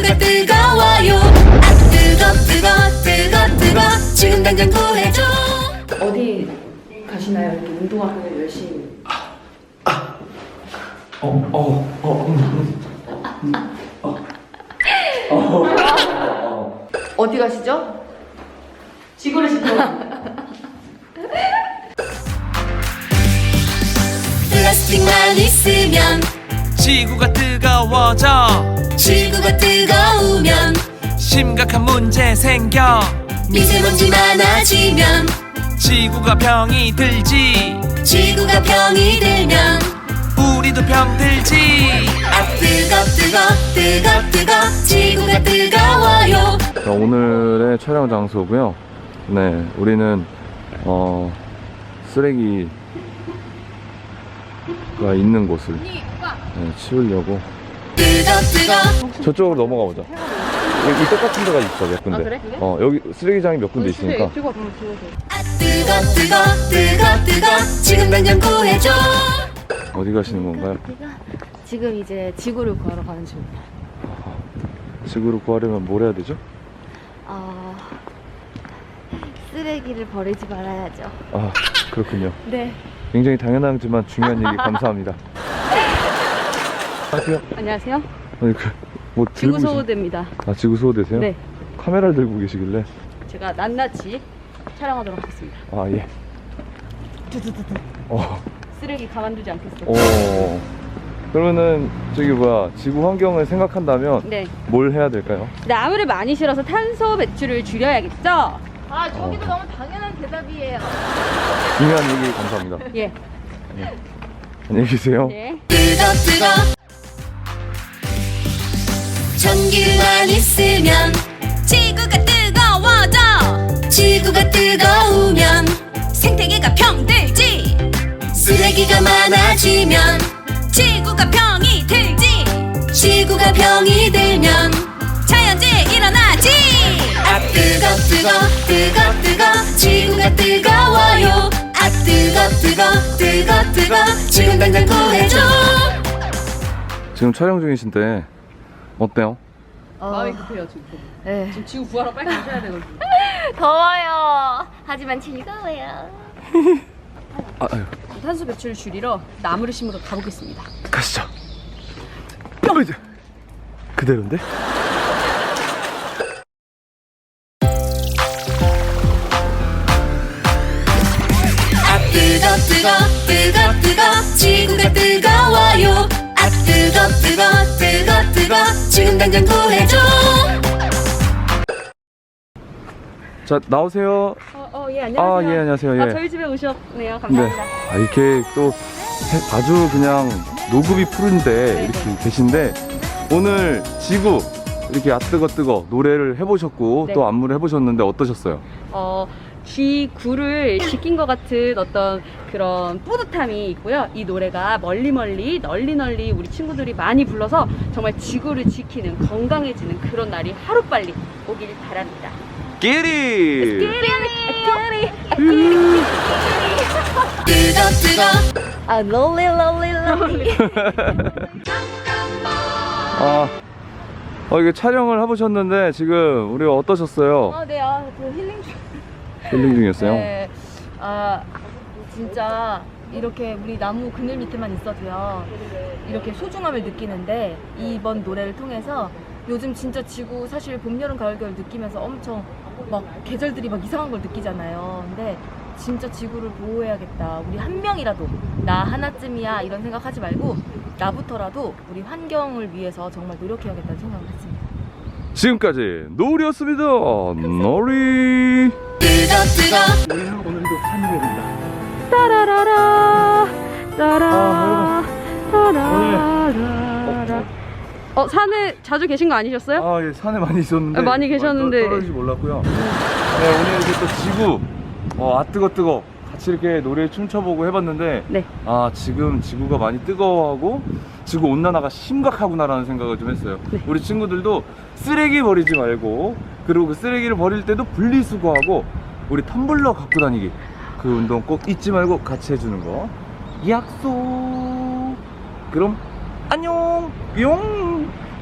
지구가 뜨거워요. 아 뜨거 지금 당장 구해줘. 어디 가시나요? 이렇게 운동하고 열심히. 어디 가시죠? 지구를 지켜. 플라스틱만 있으면 지구가 뜨거워져. 지구가 뜨거우면 심각한 문제 생겨. 미세먼지 많아지면 지구가 병이 들지. 지구가 병이 들면 우리도 병 들지. 아 뜨거 지구가 뜨거워요. 자, 오늘의 촬영 장소고요. 네, 우리는 쓰레기가 있는 곳을 치우려고 뜨거 저쪽으로 넘어가 보자. 여기 똑같은 데가 있어, 몇 군데. 그래? 여기 쓰레기장이 몇 군데 있으니까. 아 뜨거 지금 당장 구해줘. 어디 가시는 건가요? 지금 이제 지구를 구하러 가는 중입니다. 지구를 구하려면 뭘 해야 되죠? 쓰레기를 버리지 말아야죠. 아, 그렇군요. 네. 굉장히 당연하지만 중요한 얘기 감사합니다. 안녕하세요. 안녕하세요. 아니, 뭐 지구 들고 소호대입니다. 지구 소호대세요? 네. 카메라를 들고 계시길래. 제가 낱낱이 촬영하도록 하겠습니다. 아, 예. 두두두두. 쓰레기 가만두지 않겠어요. 그러면은 저기 뭐야, 지구 환경을 생각한다면 네. 뭘 해야 될까요? 나무를 많이 실어서 탄소 배출을 줄여야겠죠? 아, 저기도 너무 당연한 대답이에요. 중요한 얘기 감사합니다. 예. 안녕히 계세요. 네. 뜨거 전기만 있으면 지구가 뜨거워져. 지구가 뜨거우면 생태계가 병들지. 쓰레기가 많아지면 지구가 병이 들지. 지구가 병이 들면 자연재해 일어나지. 아 뜨거 지구가 뜨거워요. 아 뜨거 지금 당장 구해줘. 지금 촬영 중이신데 어때요? 마음이 급해요, 지금. 네. 지금 지구 구하러 빨리 가셔야 되거든요. 더워요. 하지만 즐거워요. 아유, 탄소 배출을 줄이러 나무를 심으러 가보겠습니다. 가시죠. 이제 그대로인데? 아 뜨거 지구가 뜨거워요. 아 뜨거 지금 당장 구해줘. 자, 나오세요. 예, 안녕하세요. 예, 안녕하세요. 예. 저희 집에 오셨네요. 네. 감사합니다. 이렇게 또 아주 그냥 노급이 푸른데 이렇게 계신데, 오늘 지구 이렇게 뜨거 노래를 해보셨고 네. 또 안무를 해보셨는데 어떠셨어요? 지구를 지킨 것 같은 어떤 그런 뿌듯함이 있고요. 이 노래가 널리 우리 친구들이 많이 불러서 정말 지구를 지키는, 건강해지는 그런 날이 하루빨리 오길 바랍니다. 끼리! 뜨거 롤리. 이게 촬영을 해보셨는데 지금 우리 어떠셨어요? 네, 그 힐링 중. 힐링 중이었어요? 네, 진짜 이렇게 우리 나무 그늘 밑에만 있어도요, 이렇게 소중함을 느끼는데, 이번 노래를 통해서 요즘 진짜 지구 사실 봄, 여름, 가을, 겨울 느끼면서 엄청 막 계절들이 막 이상한 걸 느끼잖아요. 근데 진짜 지구를 보호해야겠다. 우리 한 명이라도, 나 하나쯤이야 이런 생각하지 말고 나부터라도 우리 환경을 위해서 정말 노력해야겠다는 생각을 했습니다. 지금까지 놀이였습니다. 놀이. 뜨거 우리는 오늘도 산이입니다. 따라라라 따라 산에 자주 계신 거 아니셨어요? 예, 산에 많이 있었는데 많이 계셨는데. 떨어질지 몰랐고요. 네, 오늘 이렇게 또 지구 뜨거 같이 이렇게 노래 춤춰보고 해봤는데, 네. 지금 지구가 많이 뜨거워하고 지구 온난화가 심각하구나라는 생각을 좀 했어요. 네. 우리 친구들도 쓰레기 버리지 말고, 그리고 그 쓰레기를 버릴 때도 분리수거하고 우리 텀블러 갖고 다니기, 그 운동 꼭 잊지 말고 같이 해주는 거 약속. 그럼 안녕 뿅.